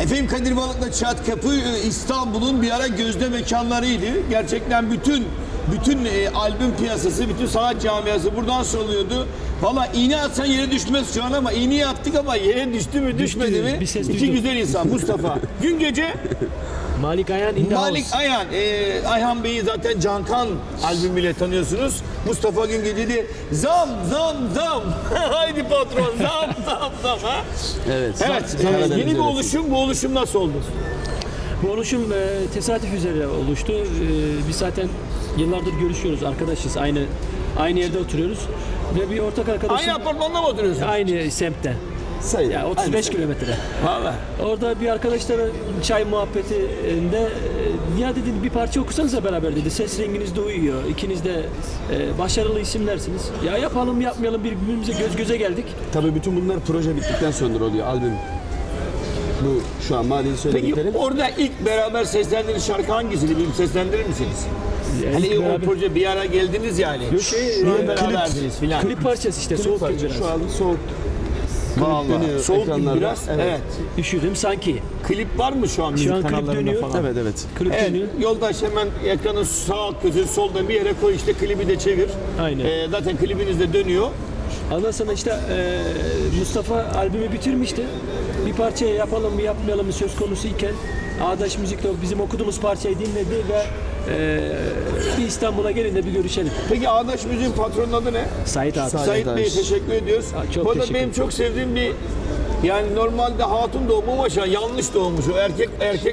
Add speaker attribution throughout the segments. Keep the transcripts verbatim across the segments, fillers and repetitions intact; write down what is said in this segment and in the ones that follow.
Speaker 1: Efendim Kadir Balık'la Çat Kapı İstanbul'un bir ara gözde mekanlarıydı. Gerçekten bütün bütün e, albüm piyasası, bütün sanat camiası buradan soruluyordu. Valla iğne atsan yere düşmez şu an ama iğneyi attık ama yere düştü mü düşmedi
Speaker 2: Düştü,
Speaker 1: mi?
Speaker 2: bir ses
Speaker 1: İki
Speaker 2: duydum.
Speaker 1: güzel insan Mustafa. Gün gece
Speaker 2: Malik Ayhan in the
Speaker 1: Malik
Speaker 2: house.
Speaker 1: Ayhan, e, Ayhan Bey'i zaten Cankan albümüyle tanıyorsunuz. Mustafa Güngeci de zam zam zam. Haydi patron zam zam zam. Ha?
Speaker 3: Evet.
Speaker 1: Evet,
Speaker 3: Zam-
Speaker 1: e,
Speaker 3: Karadeniz
Speaker 1: yeni bir
Speaker 3: yöresi.
Speaker 1: oluşum. Bu oluşum nasıl oldu?
Speaker 2: Bu oluşum e, tesadüf üzere oluştu. E, biz zaten yıllardır görüşüyoruz, arkadaşız. Aynı aynı yerde oturuyoruz. Ve bir ortak arkadaşım...
Speaker 1: Aynı apartmanda mı oturuyorsun?
Speaker 2: Aynı semtte.
Speaker 3: Sayın.
Speaker 2: Yani otuz beş kilometre.
Speaker 1: Valla.
Speaker 2: Orada bir arkadaşla çay muhabbetinde e, ya dedi bir parça okusanıza beraber dedi. Ses renginiz de uyuyor. İkiniz de e, başarılı isimlersiniz. Ya yapalım yapmayalım birbirimize göz göze geldik.
Speaker 3: Tabii bütün bunlar proje bittikten sonra oluyor albüm. Bu şu an Mali'yi
Speaker 1: Peki
Speaker 3: söylediklerim.
Speaker 1: orada ilk beraber seslendiğiniz şarkı hangisiydi? Bir seslendirir misiniz?
Speaker 2: Yani
Speaker 1: Hani
Speaker 2: ilk
Speaker 1: o
Speaker 2: beraber-
Speaker 1: proje bir ara geldiniz yani.
Speaker 2: Yok, şey,
Speaker 1: Şu an
Speaker 2: e,
Speaker 1: beraberdiniz filan.
Speaker 2: Klip parçası işte soğuk
Speaker 3: Parça,
Speaker 2: bir biraz.
Speaker 3: şu an soğuk. Klip
Speaker 1: Vallahi.
Speaker 3: dönüyor
Speaker 1: Soğuk gibi
Speaker 3: ekranlarda.
Speaker 1: biraz. Evet.
Speaker 3: Evet.
Speaker 2: Üşüdüm sanki.
Speaker 1: Klip var mı şu an müzik
Speaker 2: an klip
Speaker 1: kanallarında
Speaker 2: dönüyor.
Speaker 1: falan?
Speaker 3: Evet evet.
Speaker 2: Klip
Speaker 1: Evet,
Speaker 2: dönüyor.
Speaker 1: yoldaş hemen ekranın sağ köşe solda bir yere koy işte klibi de çevir.
Speaker 2: Aynen.
Speaker 1: Ee, zaten klibiniz de dönüyor.
Speaker 2: Ondan sonra işte e, Mustafa albümü bitirmişti. Bir parçayı yapalım mı yapmayalım mı söz konusu iken Ağdaş Müzik'te bizim okuduğumuz parçayı dinledi ve e, bir İstanbul'a gelin de bir görüşelim.
Speaker 1: Peki Ağdaş Müziğin patronun adı ne?
Speaker 2: Sait abi.
Speaker 3: Sait.
Speaker 1: Sait Bey'e
Speaker 3: Ağdaş.
Speaker 1: teşekkür ediyoruz.
Speaker 2: Aa, çok
Speaker 1: Bu arada
Speaker 2: teşekkür
Speaker 1: benim
Speaker 2: ederim.
Speaker 1: çok sevdiğim bir yani normalde hatun doğumu ama şu an yanlış doğmuş. O erkek erkek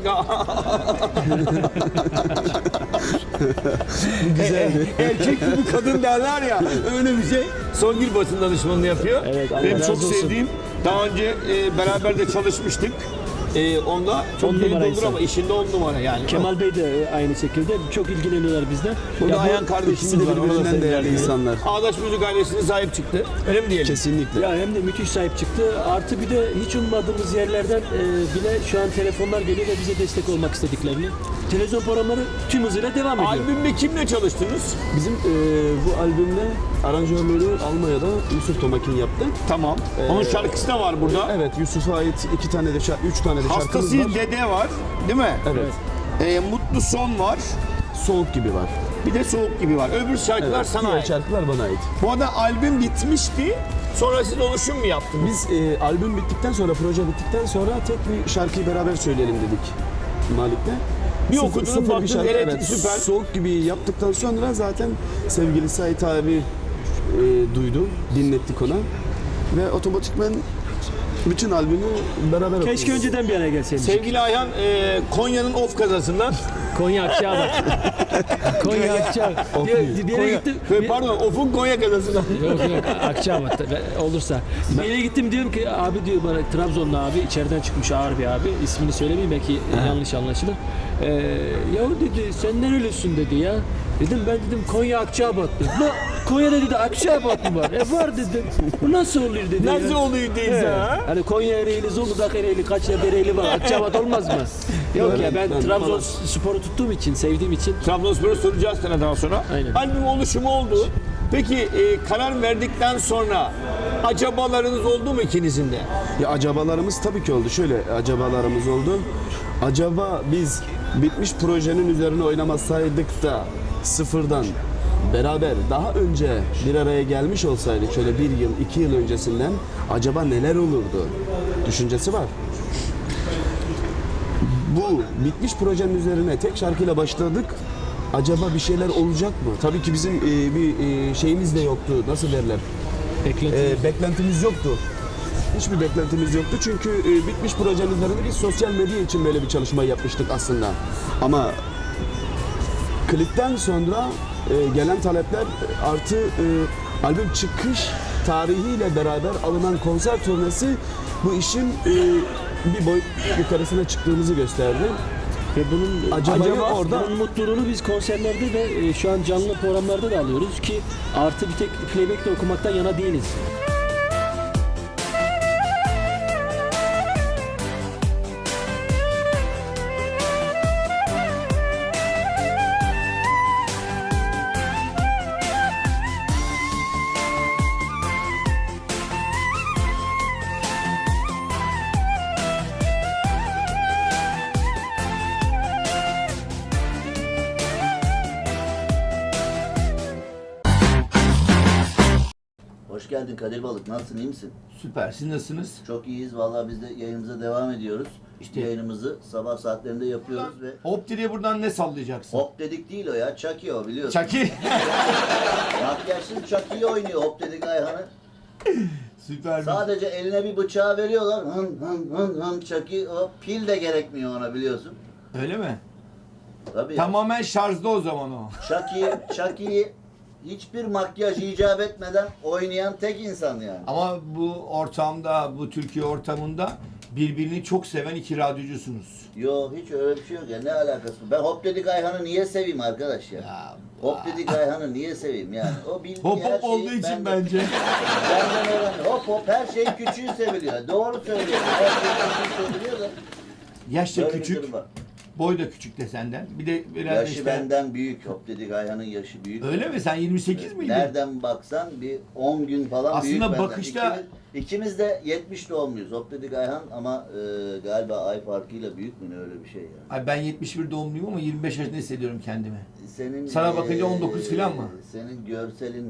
Speaker 1: güzel. erkek gibi kadın derler ya. Öyle bir şey. Songül basın danışmanlığı yapıyor.
Speaker 2: Evet, Allah
Speaker 1: benim
Speaker 2: razı
Speaker 1: çok
Speaker 2: olsun.
Speaker 1: sevdiğim. Daha önce e, beraber de çalışmıştık. E, onda çok
Speaker 2: On
Speaker 1: deli
Speaker 2: numara
Speaker 1: doldur
Speaker 2: insan.
Speaker 1: ama işinde on numara yani.
Speaker 2: Kemal Bey de aynı şekilde çok ilgileniyorlar bizden.
Speaker 1: Burada
Speaker 2: Ya bu-
Speaker 1: Ayhan
Speaker 3: İkisi
Speaker 1: kardeşimiz
Speaker 3: de
Speaker 1: var. Ona da
Speaker 3: birbirinden
Speaker 1: sevgiler
Speaker 3: değerli
Speaker 1: diliyorum.
Speaker 3: insanlar.
Speaker 1: Ağdaş Müzik ailesine sahip çıktı. Öyle mi diyelim?
Speaker 3: Kesinlikle.
Speaker 2: Ya hem de müthiş sahip çıktı. Artı bir de hiç ummadığımız yerlerden e, bile şu an telefonlar geliyor ve bize destek olmak istediklerini. Televizyon programları tüm hızıyla devam ediyor.
Speaker 1: Albümde kimle çalıştınız?
Speaker 3: Bizim e, bu albümde aranjörleri Almanya'da Yusuf Tomakin yaptı.
Speaker 1: Tamam. Onun şarkısı da var burada.
Speaker 3: Evet, Yusuf'a ait iki tane de şarkı, üç tane de şarkımız
Speaker 1: Hastası
Speaker 3: var.
Speaker 1: Dede var, değil mi?
Speaker 3: Evet.
Speaker 1: Ee, Mutlu Son var.
Speaker 3: Soğuk gibi var.
Speaker 1: Bir de Soğuk gibi var. Öbür şarkılar
Speaker 3: Evet,
Speaker 1: sana
Speaker 3: diğer
Speaker 1: ait.
Speaker 3: şarkılar bana ait.
Speaker 1: Bu arada albüm bitmişti. Sonra siz oluşum mu yaptınız?
Speaker 3: Biz e, albüm bittikten sonra, proje bittikten sonra tek bir şarkıyı beraber söyleyelim dedik Malik'le.
Speaker 1: Bir
Speaker 3: Sıfır-
Speaker 1: okudunuz,
Speaker 3: sıfır bir
Speaker 1: baktınız,
Speaker 3: şarkı,
Speaker 1: evet, süper.
Speaker 3: Soğuk gibi yaptıktan sonra zaten sevgili Sait abi e, duydu, dinlettik ona. Ve otomatikmen bütün albümü beraber
Speaker 2: Keşke
Speaker 3: okuyoruz.
Speaker 2: önceden bir araya gelseydik.
Speaker 1: Sevgili Ayhan, e, Konya'nın of kazasından.
Speaker 2: Konya Akçaabat. Konya Akçaabat. Bir, bir yere
Speaker 1: Konya,
Speaker 2: gittim.
Speaker 1: Ee,
Speaker 2: bir-
Speaker 1: Pardon, of'un Konya kazasından.
Speaker 2: Yok yok Akçaabat olursa. Bir yere gittim diyorum ki abi diyor bana Trabzonlu abi içeriden çıkmış ağır bir abi. İsmini söylemeyeyim belki yanlış anlaşılır. Ee, yahu dedi sen nerelisin dedi ya. Dedim ben dedim Konya Akçaabat dedim. La Konya'da dedi Akçaabat mı var? E var dedim. Bu nasıl oluyor dedi.
Speaker 1: Nasıl
Speaker 2: ya.
Speaker 1: oluyor teyze
Speaker 2: He.
Speaker 1: ha?
Speaker 2: Hani Konya Ereğli, Zonguldak Ereğli, kaç yerde Ereğli var. Akçaabat olmaz mı? Yok
Speaker 3: Evet,
Speaker 2: ya ben,
Speaker 3: ben-
Speaker 2: Trabzon sporu tuttuğum için, sevdiğim için.
Speaker 1: Trabzonspor'u soracağız sana daha sonra.
Speaker 2: Aynen.
Speaker 1: Albüm oluşumu oldu. Peki e, karar verdikten sonra acabalarınız oldu mu ikinizin de?
Speaker 3: Ya acabalarımız tabii ki oldu. Şöyle acabalarımız oldu. Acaba biz bitmiş projenin üzerine oynamasaydık da sıfırdan beraber daha önce bir araya gelmiş olsaydık şöyle bir yıl, iki yıl öncesinden acaba neler olurdu düşüncesi var. Bu bitmiş projenin üzerine tek şarkıyla başladık. Acaba bir şeyler olacak mı? Tabii ki bizim e, bir e, şeyimiz de yoktu. Nasıl derler?
Speaker 2: Beklenti.
Speaker 3: E, beklentimiz yoktu. Hiçbir beklentimiz yoktu çünkü e, bitmiş projenin üzerinde biz sosyal medya için böyle bir çalışma yapmıştık aslında. Ama klipten sonra e, gelen talepler artı e, albüm çıkış tarihiyle beraber alınan konser turnesi bu işin e, bir boyut yukarısına çıktığımızı gösterdi.
Speaker 2: Ve bunun
Speaker 3: Acaba
Speaker 2: acaba
Speaker 3: orada-
Speaker 2: bunun mutluluğunu biz konserlerde ve e, şu an canlı programlarda da alıyoruz ki artı bir tek playback de okumaktan yana değiliz.
Speaker 4: geldin Kadir Balık. Nasılsın, iyi misin?
Speaker 1: Süper. Siz nasılsınız?
Speaker 4: Çok iyiyiz. Vallahi biz de yayınımıza devam ediyoruz.
Speaker 1: İşte-
Speaker 4: Yayınımızı sabah saatlerinde yapıyoruz ve
Speaker 1: Hop diye buradan ne sallayacaksın?
Speaker 4: hop dedik değil o ya. Chucky o biliyorsun.
Speaker 1: Çaki.
Speaker 4: Makyajsız Chucky'yi oynuyor hop dedik Ayhan'ı.
Speaker 1: Süper.
Speaker 4: Sadece eline bir bıçağı veriyorlar. Hın hın hın hın Chucky. O pil de gerekmiyor ona biliyorsun.
Speaker 1: Öyle mi?
Speaker 4: Tabii.
Speaker 1: Tamamen şarjda o zaman o.
Speaker 4: Chucky, Chucky'yi hiçbir makyaj icap etmeden oynayan tek insan yani.
Speaker 1: Ama bu ortamda, bu Türkiye ortamında birbirini çok seven iki radyocusunuz.
Speaker 4: Yo hiç öyle bir şey yok ya. Ne alakası var? Ben hop dedik Ayhan'ı niye seveyim arkadaş ya?
Speaker 1: Ya,
Speaker 4: Hop dedik Ayhan'ı niye seveyim yani? O bildiği
Speaker 1: Hop
Speaker 4: her
Speaker 1: hop
Speaker 4: şeyi
Speaker 1: olduğu için
Speaker 4: benden-
Speaker 1: bence.
Speaker 4: Benden öğrendi. Hop hop her şey küçüğü seviliyor. Doğru söylüyor. Her şey küçüğü seviliyor da.
Speaker 1: Yaş da
Speaker 4: Böyle bir
Speaker 1: küçük,
Speaker 4: durum var.
Speaker 1: boy da küçük de senden. Bir de biraz
Speaker 4: Yaşı
Speaker 1: işte...
Speaker 4: benden büyük. Hop dedik Ayhan'ın yaşı büyük.
Speaker 1: Öyle mi? Sen yirmi sekiz miydin?
Speaker 4: Nereden baksan bir on gün falan
Speaker 1: Aslında
Speaker 4: büyük benden.
Speaker 1: bakışta-
Speaker 4: İkimiz, ikimiz de yetmiş doğumluyuz. Hop dedik Ayhan ama e, galiba ay farkıyla büyük mü ne öyle bir şey yani.
Speaker 1: Ay ben yetmiş bir doğumluyum ama yirmi beş yaşında hissediyorum kendimi.
Speaker 4: Senin
Speaker 1: Sana bakınca on dokuz filan mı?
Speaker 4: Senin görselin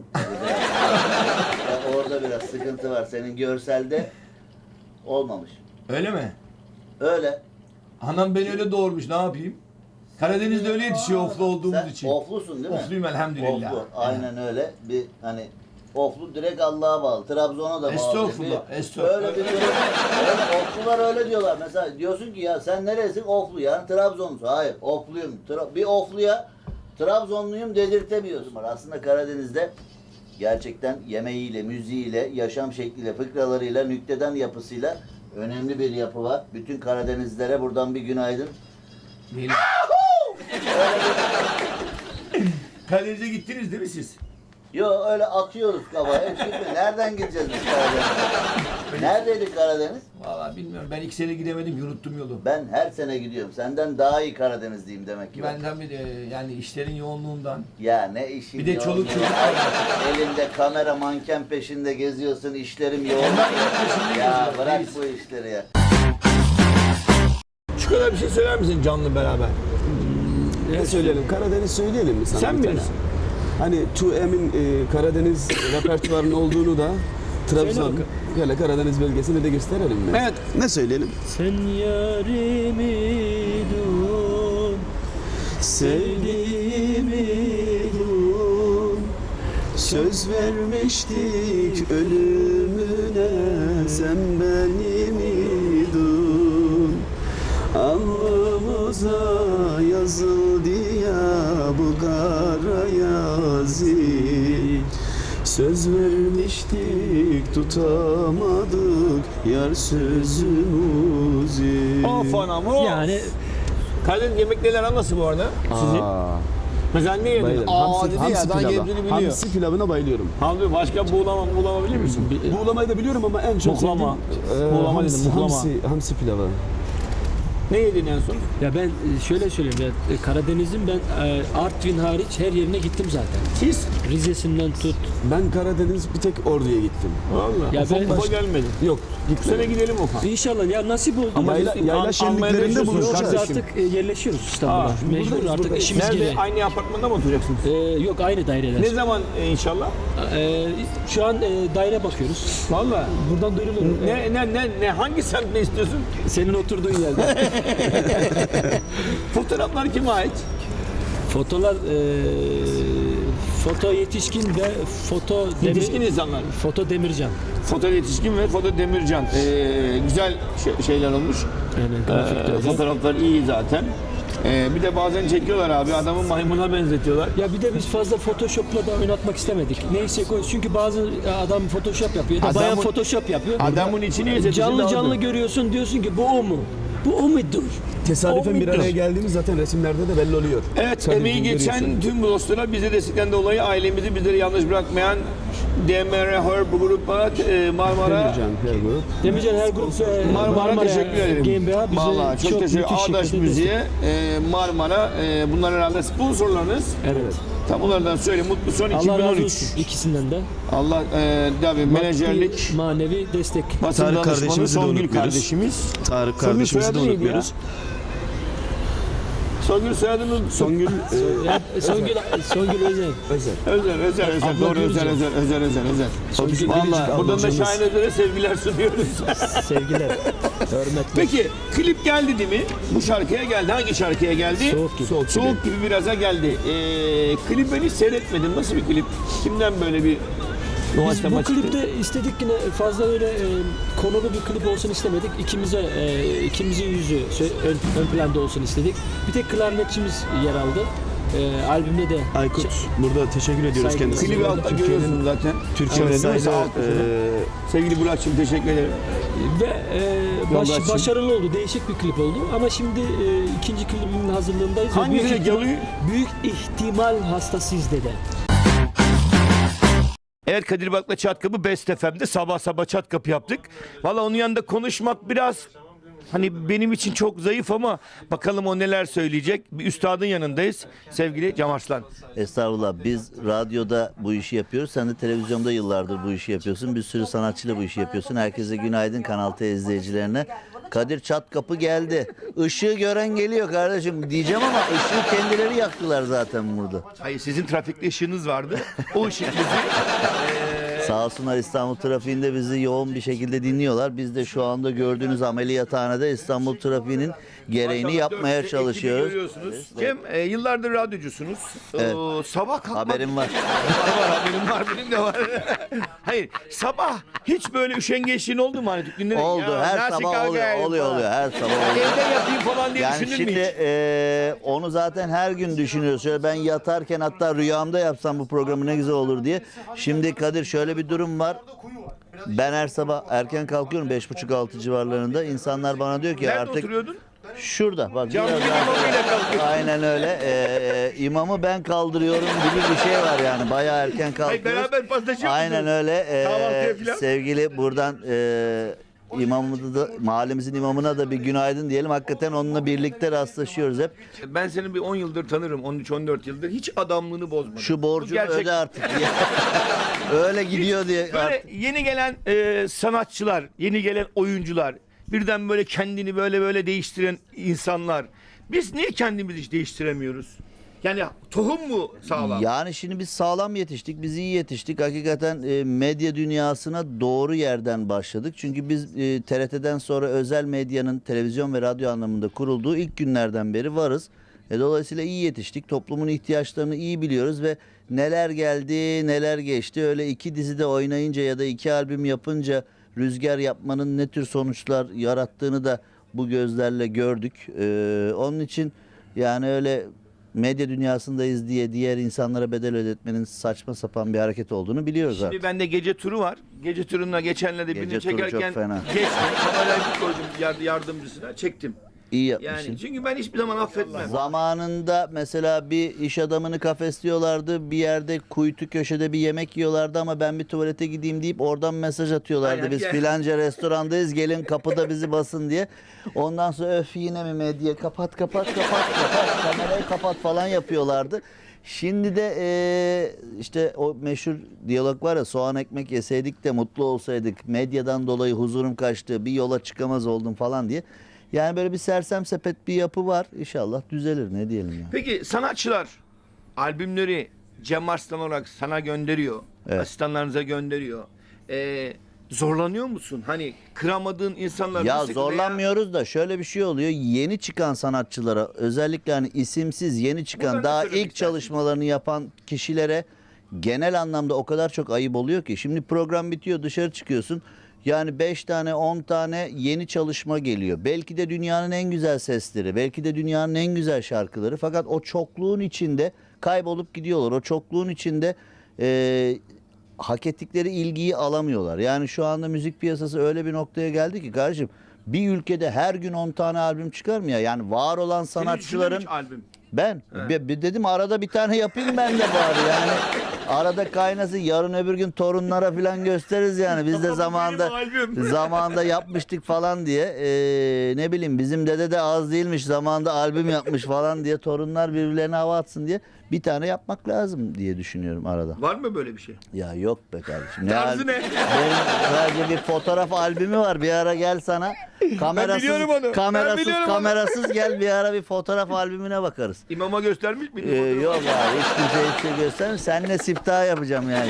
Speaker 4: ya orada biraz sıkıntı var. Senin görselde olmamış.
Speaker 1: Öyle mi?
Speaker 4: Öyle.
Speaker 1: Anam beni öyle doğurmuş, ne yapayım? Karadeniz'de öyle yetişiyor oflu olduğumuz
Speaker 4: Sen
Speaker 1: için.
Speaker 4: oflusun değil mi?
Speaker 1: Ofluyum elhamdülillah.
Speaker 4: Oflu. Aynen öyle. Bir hani oflu direkt Allah'a bağlı. Trabzon'a da bağlı.
Speaker 1: Estağfurullah,
Speaker 4: Bir-
Speaker 1: estağfurullah.
Speaker 4: Öyle bir durum. Öyle, oflular öyle diyorlar. Mesela diyorsun ki ya sen neresin? Oflu yani Trabzonlusun. Hayır ofluyum. Tra- bir ofluya Trabzonluyum dedirtemiyorsun. Aslında Karadeniz'de gerçekten yemeğiyle, müziğiyle, yaşam şekliyle, fıkralarıyla, nükteden yapısıyla önemli bir yapı var. Bütün Karadenizlilere buradan bir günaydın.
Speaker 1: Değil. Karadeniz'e gittiniz değil mi siz?
Speaker 4: Yo öyle atıyoruz kafaya. Hiç gitme. Nereden gideceğiz biz Karadeniz'e? Neredeydi Karadeniz?
Speaker 1: Vallahi bilmiyorum. Ben iki sene gidemedim, yunuttum yolu.
Speaker 4: Ben her sene gidiyorum. Senden daha iyi Karadenizliyim demek ki. ben.
Speaker 1: Benden bir de yani işlerin yoğunluğundan.
Speaker 4: Ya ne işin
Speaker 1: Bir de
Speaker 4: yoğun
Speaker 1: çoluk
Speaker 4: ya.
Speaker 1: çocuk var.
Speaker 4: Elinde kamera manken peşinde geziyorsun. İşlerim yoğun.
Speaker 1: Onlar benim peşimde
Speaker 4: Ya
Speaker 1: geziyor,
Speaker 4: bırak
Speaker 1: reis.
Speaker 4: bu işleri ya.
Speaker 1: Şu kadar bir şey söyler misin canlı beraber?
Speaker 3: Ne söyleyelim? Karadeniz söyleyelim mi sana?
Speaker 1: Sen
Speaker 3: bir tane?
Speaker 1: bilirsin.
Speaker 3: Hani two M'in e, Karadeniz repertuarının olduğunu da Trabzon,
Speaker 2: bakalım.
Speaker 3: böyle Karadeniz bölgesini de gösterelim mi?
Speaker 1: Evet.
Speaker 3: Ne söyleyelim?
Speaker 2: Sen yarimi dur,
Speaker 3: Sevdiğimi dur, söz vermiştik ölümüne, sen benim idun. Alnımıza yazıldı ya bu kara yazı. Söz vermiştik tutamadık yar sözümüzü.
Speaker 1: Of anam of.
Speaker 2: yani
Speaker 1: Karadeniz yemekleri nasıl bu arada? Sizin?
Speaker 3: Aa,
Speaker 1: Mesela ne yedin?
Speaker 3: bayılırım.
Speaker 1: Aa
Speaker 3: Hamsi,
Speaker 1: dedi
Speaker 3: hamsi
Speaker 1: ya, daha
Speaker 3: pilavı.
Speaker 1: yediğini biliyor.
Speaker 3: Hamsi pilavına bayılıyorum.
Speaker 1: Hamsi başka buğulama buğulama bilir misin?
Speaker 3: Buğulamayı da biliyorum ama en çok
Speaker 1: Muhlama.
Speaker 3: sevdiğim e,
Speaker 1: Buğulama
Speaker 3: hamsi,
Speaker 1: dedim, muhlama.
Speaker 3: hamsi, hamsi pilavı.
Speaker 1: Ne yedin en son?
Speaker 2: ya ben e, şöyle söyleyeyim ya e, Karadeniz'in ben e, Artvin hariç her yerine gittim zaten.
Speaker 1: Siz?
Speaker 2: Rize'sinden tut.
Speaker 3: Ben Karadeniz bir tek Ordu'ya gittim.
Speaker 1: Valla.
Speaker 2: Ya
Speaker 1: Ufak
Speaker 2: ben-
Speaker 1: ufak gelmedin.
Speaker 3: Yok,
Speaker 1: Bu sene
Speaker 3: gitmedim.
Speaker 1: gidelim Ufak.
Speaker 2: İnşallah ya nasip oldu.
Speaker 3: Ama yayla,
Speaker 1: An-
Speaker 3: yayla
Speaker 1: Almanya'da
Speaker 3: şenliklerinde
Speaker 1: yaşıyorsunuz
Speaker 3: buluşacağız.
Speaker 2: Biz
Speaker 1: kardeşim.
Speaker 2: artık e, yerleşiyoruz İstanbul'a.
Speaker 1: Aa,
Speaker 2: Mecbur
Speaker 3: buradayız,
Speaker 2: artık
Speaker 3: buradayız.
Speaker 2: işimiz
Speaker 1: Nerede?
Speaker 2: gereği.
Speaker 1: Aynı apartmanda mı oturacaksınız?
Speaker 2: E, yok aynı daireler.
Speaker 1: Ne zaman e, inşallah?
Speaker 2: E, şu an e, daire bakıyoruz.
Speaker 1: Valla.
Speaker 2: Buradan duyuruluyor.
Speaker 1: Ne ne ne ne hangi semt ne istiyorsun?
Speaker 2: Senin oturduğun yerde.
Speaker 1: Fotoğraflar kime ait?
Speaker 2: Fotolar e, foto yetişkin ve foto
Speaker 1: Yetişkin
Speaker 2: demir,
Speaker 1: insanlar.
Speaker 2: foto demircan.
Speaker 1: Foto yetişkin ve foto demircan. Ee, güzel şey- şeyler olmuş.
Speaker 2: Yani
Speaker 1: Ee,
Speaker 2: grafikte öyle.
Speaker 1: fotoğraflar iyi zaten. Ee, bir de bazen çekiyorlar abi, adamı maymuna benzetiyorlar.
Speaker 2: Ya bir de biz fazla Photoshop'la da oynatmak istemedik. Neyse koy çünkü bazı adam Photoshop yapıyor da
Speaker 1: Adamın-
Speaker 2: bayan Photoshop yapıyor.
Speaker 1: Adamın içini izletirsin
Speaker 2: canlı
Speaker 1: daha
Speaker 2: canlı
Speaker 1: dur.
Speaker 2: görüyorsun diyorsun ki bu o mu? Bu o mudur?
Speaker 3: Tesadüfen bir
Speaker 1: Olmuyor.
Speaker 3: araya geldiğimiz zaten resimlerde de belli oluyor.
Speaker 1: Evet,
Speaker 3: Sadece
Speaker 1: emeği geçen
Speaker 3: görüyorsun.
Speaker 1: tüm bu dostlara bize destekten dolayı ailemizi bizleri yalnız bırakmayan D M R Her bu grupa e, Marmara
Speaker 3: Demircan, her grup.
Speaker 2: Demircan her grup e,
Speaker 1: Marmara teşekkür ederim.
Speaker 2: GmbH bize
Speaker 1: Vallahi çok,
Speaker 2: çok
Speaker 1: teşekkür
Speaker 2: müthiş
Speaker 1: Ağdaş
Speaker 2: şekilde
Speaker 1: Müziğe, e, Marmara, e, bunlar herhalde sponsorlarınız.
Speaker 2: Evet.
Speaker 1: Tam onlardan söyleyeyim. Mutlu son
Speaker 2: Allah razı
Speaker 1: iki bin on üç.
Speaker 2: olsun ikisinden de.
Speaker 1: Allah e, tabii menajerlik,
Speaker 2: Maddi, manevi destek.
Speaker 1: basın
Speaker 3: Tarık
Speaker 1: danışmanı
Speaker 3: kardeşimizi de
Speaker 1: Songül
Speaker 3: unutmuyoruz.
Speaker 1: kardeşimiz.
Speaker 3: Tarık
Speaker 1: Senin
Speaker 3: kardeşimizi de
Speaker 1: soyadın neydi
Speaker 3: unutmuyoruz.
Speaker 1: Songül soyadını
Speaker 3: Songül e,
Speaker 2: Ya, Songül, Songül Özen.
Speaker 3: Özel.
Speaker 1: Özel, özel, özel.
Speaker 2: Abla
Speaker 1: Doğru,
Speaker 2: diyoruz
Speaker 1: özel,
Speaker 2: ya.
Speaker 1: özel, özel, özel, özel.
Speaker 2: Songül
Speaker 1: Vallahi
Speaker 2: Biricik
Speaker 1: buradan da
Speaker 3: ablacığımız.
Speaker 1: Şahin Özer'e sevgiler sunuyoruz.
Speaker 2: Sevgiler. Hürmetler.
Speaker 1: Peki klip geldi değil mi? Bu şarkıya geldi. Hangi şarkıya geldi?
Speaker 2: Soğuk gibi.
Speaker 1: Soğuk, Soğuk gibi biraza geldi. Ee, klip ben hiç seyretmedim. Nasıl bir klip? Kimden böyle bir
Speaker 2: Biz
Speaker 1: doğaçlama
Speaker 2: bu
Speaker 1: çıktı?
Speaker 2: klipte istedik yine fazla öyle e, konulu bir klip olsun istemedik. İkimize, e, ikimizin yüzü sö- ön, ön planda olsun istedik. Bir tek klarnetçimiz yer aldı. E, albümde de
Speaker 3: Aykut burada teşekkür ediyoruz
Speaker 2: Saygı-
Speaker 3: kendisine.
Speaker 1: Klibi altta görüyorsun zaten.
Speaker 3: Türkiye'nin
Speaker 1: Evet, değil mi?
Speaker 3: sayılı
Speaker 1: Sağ ol.
Speaker 3: e,
Speaker 1: Sevgili Burak'cığım teşekkür ederim.
Speaker 2: ve e, baş-
Speaker 1: Yoldaşçım.
Speaker 2: başarılı oldu. Değişik bir klip oldu. Ama şimdi e, ikinci klibimin hazırlığındayız. ve
Speaker 1: Hangisine
Speaker 2: büyük ihtimal,
Speaker 1: geliyor?
Speaker 2: büyük ihtimal hastasıyız dedi.
Speaker 1: Evet, Kadir Bak'la Çat Kapı Best F M'de sabah sabah Çat Kapı yaptık. Valla onun yanında konuşmak biraz hani benim için çok zayıf ama bakalım o neler söyleyecek. Bir üstadın yanındayız sevgili Cem Arslan.
Speaker 4: Estağfurullah, biz radyoda bu işi yapıyoruz. Sen de televizyonda yıllardır bu işi yapıyorsun. Bir sürü sanatçıyla bu işi yapıyorsun. Herkese günaydın, Kanal T izleyicilerine. Kadir Çat Kapı geldi. Işığı gören geliyor kardeşim diyeceğim ama ışığı kendileri yaktılar zaten burada.
Speaker 1: Hayır, sizin trafikte ışığınız vardı. O ışık bizi
Speaker 4: Sağ olsunlar, İstanbul trafiğinde bizi yoğun bir şekilde dinliyorlar. Biz de şu anda gördüğünüz ameliyathanede İstanbul trafiğinin gereğini
Speaker 1: Maşallah
Speaker 4: yapmaya
Speaker 1: dört ekibi
Speaker 4: çalışıyoruz.
Speaker 1: görüyorsunuz. Cem, e, yıllardır radyocusunuz.
Speaker 4: Evet.
Speaker 1: Ee, sabah kalkmak...
Speaker 4: Haberim var.
Speaker 1: var, var, haberim var, benim de var. Hayır, sabah hiç böyle üşengeçliğin oldu mu? Hani günleri,
Speaker 4: Oldu.
Speaker 1: ya,
Speaker 4: Her
Speaker 1: nasıl
Speaker 4: sabah oluyor.
Speaker 1: kalkayım
Speaker 4: Oluyor
Speaker 1: falan.
Speaker 4: oluyor. Her sabah
Speaker 1: Ya
Speaker 4: oluyor.
Speaker 1: evde yapayım falan diye
Speaker 4: Yani
Speaker 1: düşünür
Speaker 4: şimdi
Speaker 1: mü hiç?
Speaker 4: eee, onu zaten her gün düşünüyoruz. Şöyle ben yatarken hatta rüyamda yapsam bu programı ne güzel olur diye. Şimdi Kadir şöyle bir durum var. Ben her sabah erken kalkıyorum beş buçuk altı civarlarında. İnsanlar bana diyor ki
Speaker 1: Nerede
Speaker 4: artık
Speaker 1: oturuyordun?
Speaker 4: şurada bak.
Speaker 1: Caminin
Speaker 4: biraz daha-
Speaker 1: imamıyla kalkıyorsun.
Speaker 4: Aynen öyle. Eee imamı ben kaldırıyorum gibi bir şey var yani. Bayağı erken
Speaker 1: Hayır,
Speaker 4: kalkıyoruz.
Speaker 1: beraber paslaşıyor
Speaker 4: Aynen
Speaker 1: musunuz?
Speaker 4: öyle. Eee,
Speaker 1: Kahvaltıya filan?
Speaker 4: sevgili buradan eee imamımıza da, mahallemizin imamına da bir günaydın diyelim. Hakikaten onunla birlikte rastlaşıyoruz hep.
Speaker 1: Ben seni bir on yıldır tanırım. on üç on dört yıldır. Hiç adamlığını bozmadın.
Speaker 4: Şu
Speaker 1: Bu
Speaker 4: borcunu
Speaker 1: gerçek.
Speaker 4: öde artık diye. Öyle gidiyor diye.
Speaker 1: Böyle yeni gelen e, sanatçılar, yeni gelen oyuncular, birden böyle kendini böyle böyle değiştiren insanlar. Biz niye kendimizi hiç değiştiremiyoruz? Yani tohum mu sağlam?
Speaker 4: Yani şimdi biz sağlam yetiştik, biz iyi yetiştik. Hakikaten e, medya dünyasına doğru yerden başladık. Çünkü biz e, T R T'den sonra özel medyanın televizyon ve radyo anlamında kurulduğu ilk günlerden beri varız. E, dolayısıyla iyi yetiştik. Toplumun ihtiyaçlarını iyi biliyoruz ve neler geldi, neler geçti. Öyle iki dizide oynayınca ya da iki albüm yapınca rüzgar yapmanın ne tür sonuçlar yarattığını da bu gözlerle gördük. E, onun için yani öyle medya dünyasındayız diye diğer insanlara bedel ödetmenin saçma sapan bir hareket olduğunu biliyoruz
Speaker 1: Şimdi
Speaker 4: artık.
Speaker 1: bende gece turu var. Gece turuna geçenlerde birini
Speaker 4: Gece turu çok
Speaker 1: çekerken
Speaker 4: fena.
Speaker 1: geçtim. Kamerayı bir koydum yard- yardımcısına çektim.
Speaker 4: İyi yapmışsın.
Speaker 1: Yani çünkü ben hiçbir zaman affetmem.
Speaker 4: Zamanında mesela bir iş adamını kafesliyorlardı. Bir yerde kuytu köşede bir yemek yiyorlardı ama ben bir tuvalete gideyim deyip oradan mesaj atıyorlardı.
Speaker 1: Aynen,
Speaker 4: Biz
Speaker 1: gel.
Speaker 4: filanca restorandayız gelin kapıda bizi basın diye. Ondan sonra öf yine mi medya kapat kapat kapat kapat kamerayı kapat falan yapıyorlardı. Şimdi de eee, işte o meşhur diyalog var ya, soğan ekmek yeseydik de mutlu olsaydık, medyadan dolayı huzurum kaçtı, bir yola çıkamaz oldum falan diye. Yani böyle bir sersem sepet bir yapı var. İnşallah düzelir, ne diyelim ya.
Speaker 1: Peki sanatçılar albümleri Cem Arslan olarak sana gönderiyor.
Speaker 4: Evet.
Speaker 1: Asistanlarınıza gönderiyor. Ee, zorlanıyor musun? Hani kıramadığın insanlar
Speaker 4: Ya
Speaker 1: nasıl-
Speaker 4: zorlanmıyoruz da şöyle bir şey oluyor. Yeni çıkan sanatçılara, özellikle hani isimsiz yeni çıkan,
Speaker 1: Buradan ne
Speaker 4: daha
Speaker 1: söylemek
Speaker 4: ilk
Speaker 1: istersin?
Speaker 4: çalışmalarını yapan kişilere genel anlamda o kadar çok ayıp oluyor ki. Şimdi program bitiyor, dışarı çıkıyorsun. Yani beş tane on tane yeni çalışma geliyor. Belki de dünyanın en güzel sesleri, belki de dünyanın en güzel şarkıları. Fakat o çokluğun içinde kaybolup gidiyorlar. O çokluğun içinde e, hak ettikleri ilgiyi alamıyorlar. Yani şu anda müzik piyasası öyle bir noktaya geldi ki kardeşim, bir ülkede her gün on tane albüm çıkar mı ya? Yani var olan
Speaker 1: Senin
Speaker 4: sanatçıların...
Speaker 1: düşündüğün hiç albüm.
Speaker 4: Ben bir, bir dedim arada bir tane yapayım ben de bari yani. Arada kaynasın, yarın öbür gün torunlara falan gösteririz yani. Biz de zamanında
Speaker 1: Benim albüm.
Speaker 4: zamanında yapmıştık falan diye. Ee, ne bileyim bizim dede de az değilmiş, zamanında albüm yapmış falan diye torunlar birbirlerine hava atsın diye. bir tane yapmak lazım diye düşünüyorum arada.
Speaker 1: Var mı böyle bir şey?
Speaker 4: Ya yok be kardeşim.
Speaker 1: Tarzı
Speaker 4: al-
Speaker 1: ne?
Speaker 4: Benim sadece bir fotoğraf albümü var. Bir ara gel sana. Kamerasız,
Speaker 1: biliyorum onu. Ben
Speaker 4: kamerasız,
Speaker 1: biliyorum onu.
Speaker 4: kamerasız gel bir ara bir fotoğraf albümüne bakarız.
Speaker 1: İmama göstermiş miydin?
Speaker 4: Ee, yok abi hiç kimseye hiçbir şey göstermiyorum. Seninle siftah yapacağım yani.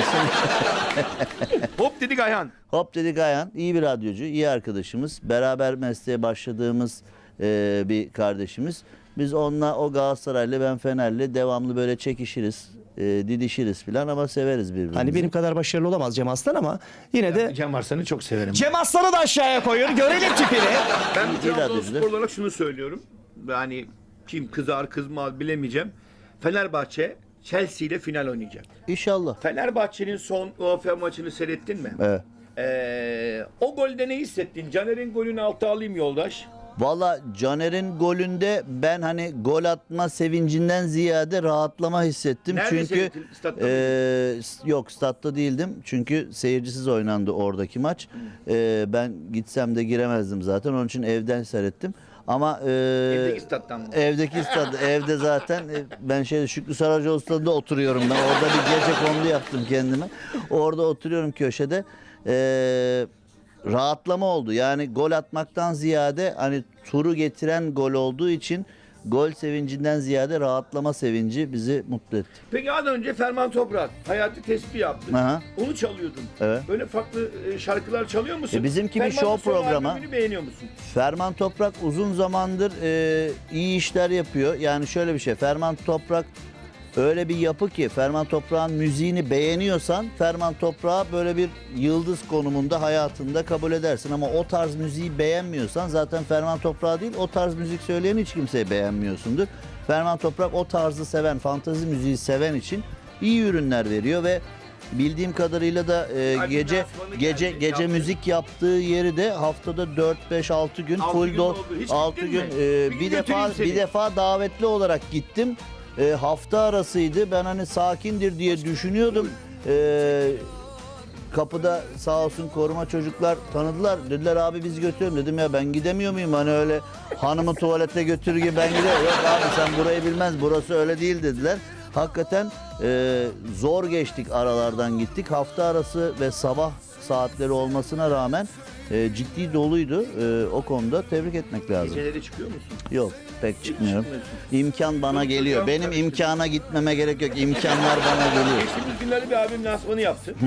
Speaker 4: Şimdi-
Speaker 1: Hop dedik Ayhan.
Speaker 4: Hop dedik Ayhan iyi bir radyocu, iyi arkadaşımız. Beraber mesleğe başladığımız e, bir kardeşimiz. Biz onunla o Galatasaray'la ben Fener'le devamlı böyle çekişiriz, e, didişiriz falan ama severiz birbirimizi.
Speaker 5: Hani benim kadar başarılı olamaz Cem Aslan ama yine de
Speaker 1: Cem Arslan'ı çok severim.
Speaker 5: Cem Aslan'ı da aşağıya koyun. Görelim tipini.
Speaker 1: Ben
Speaker 4: İyi
Speaker 1: Trabzonspor
Speaker 4: radyocu.
Speaker 1: olarak şunu söylüyorum. Yani kim kızar kızmaz bilemeyeceğim. Fenerbahçe Chelsea ile final oynayacak.
Speaker 4: İnşallah.
Speaker 1: Fenerbahçe'nin son U E F A maçını seyrettin mi?
Speaker 4: Evet.
Speaker 1: Ee, o golde ne hissettin? Caner'in golünü alta alayım yoldaş.
Speaker 4: Valla Caner'in golünde ben hani gol atma sevincinden ziyade rahatlama hissettim.
Speaker 1: Nerede
Speaker 4: Çünkü
Speaker 1: seyrettin? Statta mı?
Speaker 4: e, s- yok statta değildim. Çünkü seyircisiz oynandı oradaki maç. E, ben gitsem de giremezdim zaten. Onun için evden seyrettim. Ama e,
Speaker 1: Evdeki stat'tan mı?
Speaker 4: Evdeki stad, evde zaten e, ben şey Şükrü Saracoğlu stadında oturuyorum ben. Orada bir gece kondu yaptım kendime. Orada oturuyorum köşede. Eee rahatlama oldu. Yani gol atmaktan ziyade hani turu getiren gol olduğu için gol sevincinden ziyade rahatlama sevinci bizi mutlu etti.
Speaker 1: Peki az önce Ferman Toprak hayatı tespih yaptı.
Speaker 4: Aha.
Speaker 1: Onu çalıyordun.
Speaker 4: Evet.
Speaker 1: Böyle farklı e, şarkılar çalıyor musun?
Speaker 4: E, bizimki bir
Speaker 1: Ferman'ın
Speaker 4: show
Speaker 1: son
Speaker 4: programı.
Speaker 1: albümünü beğeniyor musun?
Speaker 4: Ferman Toprak uzun zamandır e, iyi işler yapıyor. Yani şöyle bir şey. Ferman Toprak öyle bir yapı ki Ferman Toprak'ın müziğini beğeniyorsan Ferman Toprak'ı böyle bir yıldız konumunda hayatında kabul edersin. Ama o tarz müziği beğenmiyorsan zaten Ferman Toprak değil o tarz müzik söyleyen hiç kimseyi beğenmiyorsundur. Ferman Toprak o tarzı seven, fantazi müziği seven için iyi ürünler veriyor ve bildiğim kadarıyla da e,
Speaker 1: Albüm
Speaker 4: gece
Speaker 1: lansmanı
Speaker 4: gece
Speaker 1: geldi,
Speaker 4: gece
Speaker 1: yaptı.
Speaker 4: müzik yaptığı yeri de haftada dört beş altı gün
Speaker 1: Altı
Speaker 4: full
Speaker 1: gün
Speaker 4: dol
Speaker 1: oldu. Hiç
Speaker 4: altı
Speaker 1: gittin
Speaker 4: gün
Speaker 1: mi?
Speaker 4: e,
Speaker 1: Bir
Speaker 4: bir
Speaker 1: gün
Speaker 4: defa
Speaker 1: götüreyim seni.
Speaker 4: bir defa davetli olarak gittim. E, hafta arasıydı. Ben hani sakindir diye düşünüyordum. E, kapıda sağ olsun koruma çocuklar tanıdılar. Dediler abi biz götürün. Dedim ya ben gidemiyor muyum? Hani öyle hanımı tuvalete götürür gibi ben gidiyorum. Yok abi sen burayı bilmez. Burası öyle değil dediler. Hakikaten e, zor geçtik aralardan gittik. Hafta arası ve sabah saatleri olmasına rağmen e, ciddi doluydu. E, o konuda tebrik etmek lazım.
Speaker 1: Geceleri çıkıyor musun?
Speaker 4: Yok pek çıkmıyorum.
Speaker 1: çıkmıyorsun.
Speaker 4: İmkan bana
Speaker 1: Yok,
Speaker 4: geliyor.
Speaker 1: hocam,
Speaker 4: Benim
Speaker 1: karıştırdım.
Speaker 4: imkana gitmeme gerek yok. İmkanlar bana geliyor.
Speaker 1: Geçtiğimiz günlerde bir albüm lansmanı yaptı.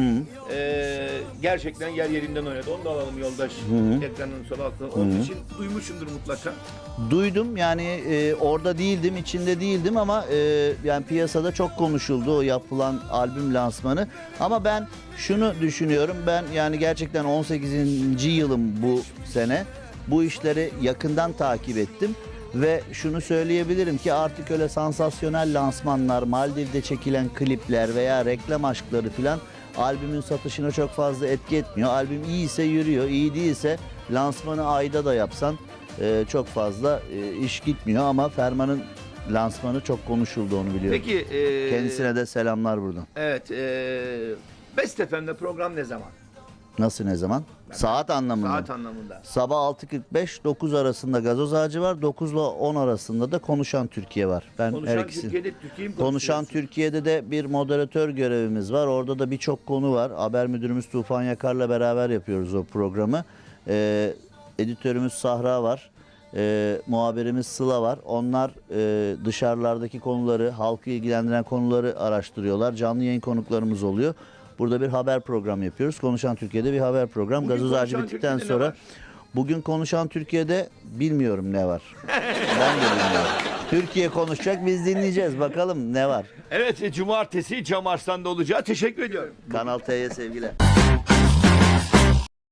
Speaker 1: Ee, gerçekten yer yerinden oynadı. Onu da alalım yoldaş. Ekranın sol altında. Onun için duymuşsundur mutlaka.
Speaker 4: Duydum yani e, orada değildim, içinde değildim ama e, yani piyasada çok konuşuldu o yapılan albüm lansmanı. Ama ben şunu düşünüyorum. Ben yani gerçekten on sekizinci yılım bu sene. Bu işleri yakından takip ettim. Ve şunu söyleyebilirim ki artık öyle sansasyonel lansmanlar, Maldiv'de çekilen klipler veya reklam aşkları filan albümün satışına çok fazla etki etmiyor. Albüm iyiyse yürüyor, iyi değilse lansmanı ayda da yapsan e, çok fazla e, iş gitmiyor. Ama Ferman'ın lansmanı çok konuşuldu onu biliyorum.
Speaker 1: Peki. ee,
Speaker 4: Kendisine de selamlar buradan.
Speaker 1: Evet. ee, Best F M'de program ne zaman?
Speaker 4: Nasıl ne zaman? Saat anlamında.
Speaker 1: Saat anlamında.
Speaker 4: Sabah altı kırk beş dokuz arasında Gazoz Ağacı var. dokuz ile on arasında da Konuşan Türkiye var. Ben her
Speaker 1: Konuşan
Speaker 4: ikisi.
Speaker 1: Türkiye'de Türkiye'yi mi
Speaker 4: Konuşan
Speaker 1: konuşuyorsun?
Speaker 4: Türkiye'de de bir moderatör görevimiz var. Orada da birçok konu var. Haber müdürümüz Tufan Yakar'la beraber yapıyoruz o programı. Ee, editörümüz Sahra var. Ee, muhabirimiz Sıla var. Onlar e, dışarılardaki konuları, halkı ilgilendiren konuları araştırıyorlar. Canlı yayın konuklarımız oluyor. Burada bir haber programı yapıyoruz. Konuşan Türkiye'de bir haber program.
Speaker 1: Bugün
Speaker 4: Gazoz Ağacı
Speaker 1: Konuşan
Speaker 4: bittikten
Speaker 1: Türkiye'de ne
Speaker 4: sonra
Speaker 1: var?
Speaker 4: bugün Konuşan Türkiye'de bilmiyorum ne var. Ben de bilmiyorum. Türkiye konuşacak, biz dinleyeceğiz. Bakalım ne var.
Speaker 1: Evet, cumartesi Cem Arslan'da olacağı. Teşekkür ediyorum.
Speaker 4: Kanal T'ye sevgiler.